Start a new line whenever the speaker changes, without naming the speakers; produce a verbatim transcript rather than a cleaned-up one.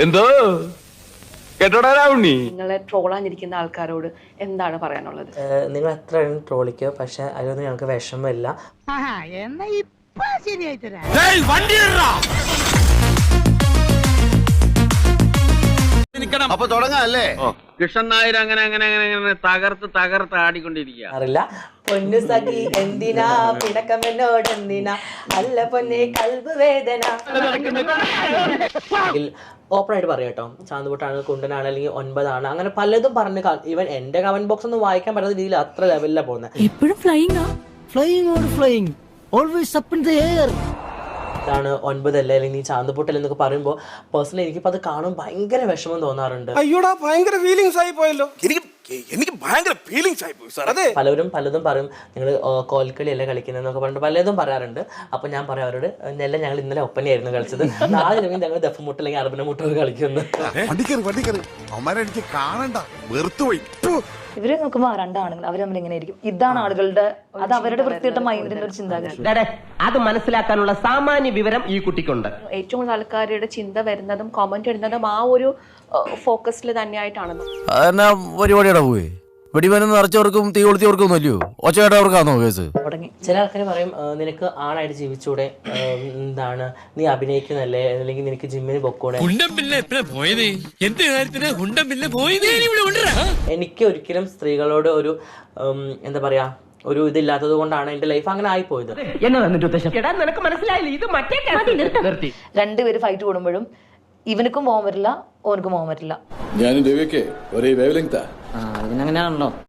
എന്തോ കേട്ടോടാ ഉണ്ണി.
നിങ്ങളെ ട്രോളാനിരിക്കുന്ന ആൾക്കാരോട് എന്താണ് പറയാനുള്ളത്?
നിങ്ങൾ എത്ര ട്രോളിക്കോ, പക്ഷെ അതിലൊന്നും ഞങ്ങൾക്ക് വിഷമമില്ല.
അപ്പൊ തുടങ്ങാല്ലേ? കൃഷ്ണൻ നായർ അങ്ങനെ അങ്ങനെ അങ്ങനെ അങ്ങനെ തകർത്ത് തകർത്ത് ആടിക്കൊണ്ടിരിക്കുക.
അറിയില്ല പൊന്നു സഖി എന്തിനാ പിണക്കമെന്നോട് എന്തിനാ അല്ല പൊന്നെ കൽബ് വേദന. ഓപ്പൺ ആയിട്ട് പറയാം കേട്ടോ, ചാന്തുപൊട്ടാണ്, കുണ്ടനാണ്, അല്ലെങ്കിൽ ഒൻപതാണ്, അങ്ങനെ പലതും പറഞ്ഞ് ഈവൻ എന്റെ കമന്റ് ബോക്സ് ഒന്നും വായിക്കാൻ പറ്റാത്ത രീതിയിൽ അത്ര ലെവലിലാണ് പോകുന്നത്.
എപ്പോഴും flying flying or flying always up in the air.
ാണ് ഒൻപതല്ലേ അല്ലെങ്കിൽ നീ ചാന്തുപൊട്ടൽ എന്നൊക്കെ പറയുമ്പോൾ പേഴ്സണലി എനിക്കിപ്പോൾ അത് കാണും ഭയങ്കര വിഷമം തോന്നാറുണ്ട്.
അയ്യോടാ ഭയങ്കര ഫീലിങ്സ് ആയി പോയല്ലോ. എനിക്ക് എനിക്ക് ഭയങ്കര ഫീലിങ്സ് ആയി പോയി സാർ. അതെ,
പലരും പലതും പറയും, നിങ്ങൾ കോൽക്കളി അല്ലേ കളിക്കുന്നതെന്നൊക്കെ പറഞ്ഞിട്ട് പലതും പറയാറുണ്ട്. അപ്പോൾ ഞാൻ പറയാം അവരോട്, നെല്ല ഞങ്ങൾ ഇന്നലെ ഒപ്പനയായിരുന്നു കളിച്ചത്, നാളെ ഞങ്ങൾ ഞങ്ങൾ ദഫമുട്ട് അല്ലെങ്കിൽ അറബിന മുട്ടൊക്കെ കളിക്കുന്നു.
ഇവര് നോക്കുമ്പോൾ രണ്ടാണുങ്ങൾ അവർ തമ്മിൽ ഇങ്ങനെ ഇരിക്കും. ഇതാണ് ആളുകളുടെ, അത് അവരുടെ വൃത്തിയിട്ട മൈൻഡിന്റെ ഒരു ചിന്താഗതി.
അത് മനസ്സിലാക്കാനുള്ള സാമാന്യ വിവരം ഈ കുട്ടിക്കുണ്ട്.
ഏറ്റവും കൂടുതൽ ആൾക്കാരുടെ ചിന്ത വരുന്നതും കമന്റ് ഇടുന്നതും ആ ഒരു ഫോക്കസിൽ തന്നെയായിട്ടാണെന്ന്.
പരിപാടിയുടെ പോയി വെടിമരുന്ന് നിറച്ചവർക്കും തീ കൊളുത്തിയവർക്കും ഒന്നുമല്ലയോ, ഒച്ചയായിട്ടവർക്കാണോ കേസ്?
തുടങ്ങി ചില ആൾക്കാർ പറയും, നിനക്ക് ആണായിട്ട് ജീവിച്ചൂടെ, എന്താണ് നീ അഭിനയിക്കുന്നല്ലേ, അല്ലെങ്കിൽ നിനക്ക് ജിമ്മിന് പൊക്കൂടെ. എനിക്ക് ഒരിക്കലും സ്ത്രീകളോട് ഒരു എന്താ പറയാ ഒരു ഇതില്ലാത്തത് കൊണ്ടാണ് എന്റെ ലൈഫ് അങ്ങനെ ആയിപ്പോയത്.
രണ്ടുപേര് ഫൈറ്റ് കൂടുമ്പോഴും ഇവനക്കും പോകാൻ പറ്റില്ല, ഓനക്കും പോകാൻ പറ്റില്ല.
ഞാനും രവിയൊക്കെ ഒരേ വേവ് ലെങ്താ.
ഇതിനങ്ങനെയാണല്ലോ.